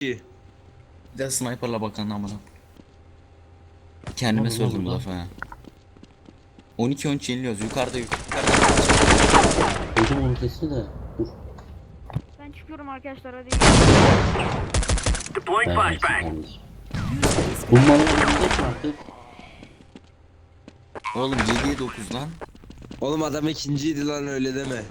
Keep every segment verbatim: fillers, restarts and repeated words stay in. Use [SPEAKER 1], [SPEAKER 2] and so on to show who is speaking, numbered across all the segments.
[SPEAKER 1] Bir
[SPEAKER 2] de sniperla bakan amına. Kendime
[SPEAKER 3] Oğlum,
[SPEAKER 2] söyledim bu
[SPEAKER 3] oğlum,
[SPEAKER 2] lafı ha. on iki on üç yeniliyoruz. Yukarıda yukarıda.
[SPEAKER 3] Duydum onun sesini de. Dur.
[SPEAKER 4] Ben çıkıyorum arkadaşlar hadi.
[SPEAKER 1] Deploying
[SPEAKER 3] Ben
[SPEAKER 1] flashbang.
[SPEAKER 3] kardeşim. Bu malın önünde mi artık?
[SPEAKER 2] Oğlum yediye dokuz lan.
[SPEAKER 1] Oğlum adam ikinciydi lan, öyle deme.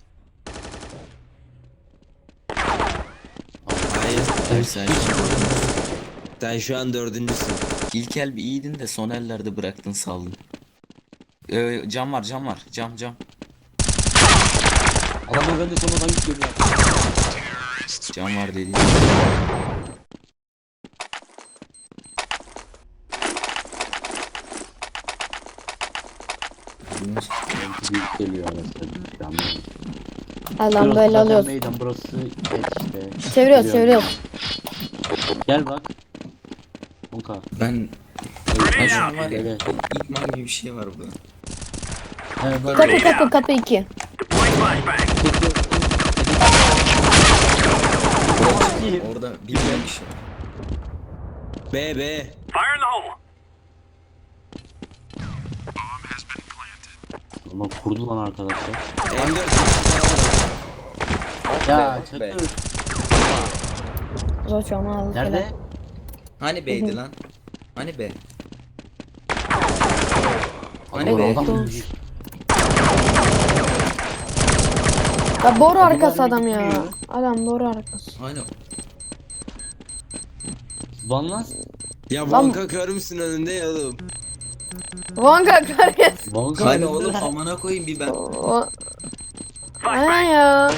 [SPEAKER 1] Hayır,
[SPEAKER 2] Hayır sen
[SPEAKER 1] sen şu an dördüncüsün.
[SPEAKER 2] ilk el bir iyiydin de son ellerde bıraktın saldın. Ee, cam var cam var cam cam.
[SPEAKER 3] Adamlar bende sonradan gidiyor ya.
[SPEAKER 2] Cam var dedi.
[SPEAKER 3] Büyük geliyor arasında.
[SPEAKER 5] Adam böyle alıyoruz.
[SPEAKER 3] Meydan burası et işte.
[SPEAKER 5] Çeviriyoruz
[SPEAKER 3] Biliyorum.
[SPEAKER 5] çeviriyoruz.
[SPEAKER 3] Gel bak. Onka.
[SPEAKER 2] Ben ben şu an var ya
[SPEAKER 3] Gel.
[SPEAKER 2] İkmal gibi bir şey var burada.
[SPEAKER 3] Evet bak.
[SPEAKER 5] Kapı kapı kapı iki.
[SPEAKER 2] Orada bilmeyen bir şey.
[SPEAKER 1] B B.
[SPEAKER 3] Ama kurdu lan arkadaşlar.
[SPEAKER 1] M dört.
[SPEAKER 3] Ya
[SPEAKER 2] Be, be.
[SPEAKER 3] çakır.
[SPEAKER 5] Zor çalma aldık.
[SPEAKER 3] Nerede?
[SPEAKER 2] Hani B'ydi lan? Hani B? Hani
[SPEAKER 3] Adam-
[SPEAKER 2] B?
[SPEAKER 3] adam-
[SPEAKER 5] Ya boru arkası
[SPEAKER 3] Adamlar
[SPEAKER 5] adam ya.
[SPEAKER 3] gidiyor.
[SPEAKER 5] Adam boru arkası.
[SPEAKER 2] Hani
[SPEAKER 3] Van lan.
[SPEAKER 1] Ya
[SPEAKER 5] Lan-
[SPEAKER 1] banka kör müsün önünde ya oğlum?
[SPEAKER 5] Vanga karyas.
[SPEAKER 3] Van
[SPEAKER 2] hani oğlum amına koyayım bir ben.
[SPEAKER 5] O... Aynen ya.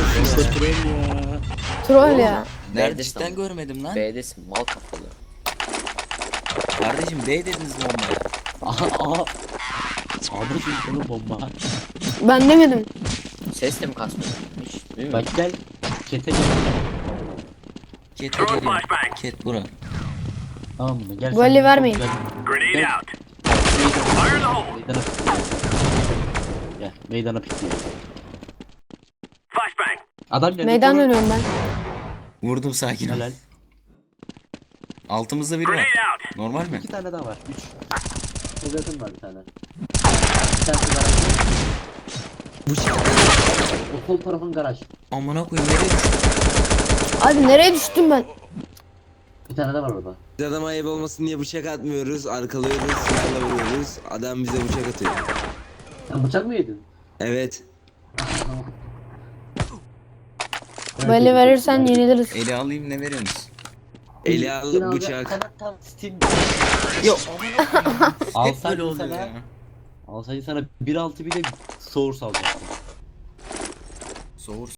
[SPEAKER 5] Troll ya.
[SPEAKER 2] Nerede cidden görmedim lan.
[SPEAKER 6] B'desin mal kafalı.
[SPEAKER 2] Kardeşim B dediniz bombaya.
[SPEAKER 3] Aha aha. Abi şimdi bunu bomba.
[SPEAKER 5] Ben demedim.
[SPEAKER 6] Ses de mi kasmıyor? Hiç değil mi?
[SPEAKER 3] Bak gel. Kete gel.
[SPEAKER 2] Ket geliyor. Ket bura.
[SPEAKER 3] Tamam mı? Gel.
[SPEAKER 5] Böyle
[SPEAKER 3] sen-
[SPEAKER 5] vermeyin.
[SPEAKER 3] Gel.
[SPEAKER 1] Grenade
[SPEAKER 3] Gel.
[SPEAKER 1] out.
[SPEAKER 3] Meydana pikliyor. Gel. Meydana pikliyor.
[SPEAKER 1] Flashbang.
[SPEAKER 3] Adam geldi.
[SPEAKER 5] Meydan
[SPEAKER 3] koru.
[SPEAKER 5] dönüyorum ben.
[SPEAKER 2] Vurdum sakin ol.
[SPEAKER 3] Helal.
[SPEAKER 2] Altımızda biri var.
[SPEAKER 1] out.
[SPEAKER 2] Normal mi?
[SPEAKER 3] İki tane daha var. Üç. Özetim var bir tane. Bir tanesi garaj.
[SPEAKER 1] Bıçak.
[SPEAKER 3] O sol tarafın garaj.
[SPEAKER 2] Amına koyayım nereye düştü?
[SPEAKER 5] Abi nereye düştüm ben?
[SPEAKER 3] Bir tane de var orada.
[SPEAKER 1] Biz adama ayıp olmasın diye bıçak atmıyoruz, arkalıyoruz, silahla vuruyoruz. Adam bize bıçak atıyor.
[SPEAKER 3] Sen bıçak mı yedin?
[SPEAKER 1] Evet.
[SPEAKER 5] Böyle verirsen yeniliriz.
[SPEAKER 2] Eli alayım ne veriyorsunuz?
[SPEAKER 1] Eli al bıçak.
[SPEAKER 2] Yok. Hep
[SPEAKER 3] Alsaydın
[SPEAKER 2] böyle oluyor
[SPEAKER 3] sana.
[SPEAKER 2] ya.
[SPEAKER 3] Alsaydın sana bir altı bir de soğur salacaktım.
[SPEAKER 2] Soğur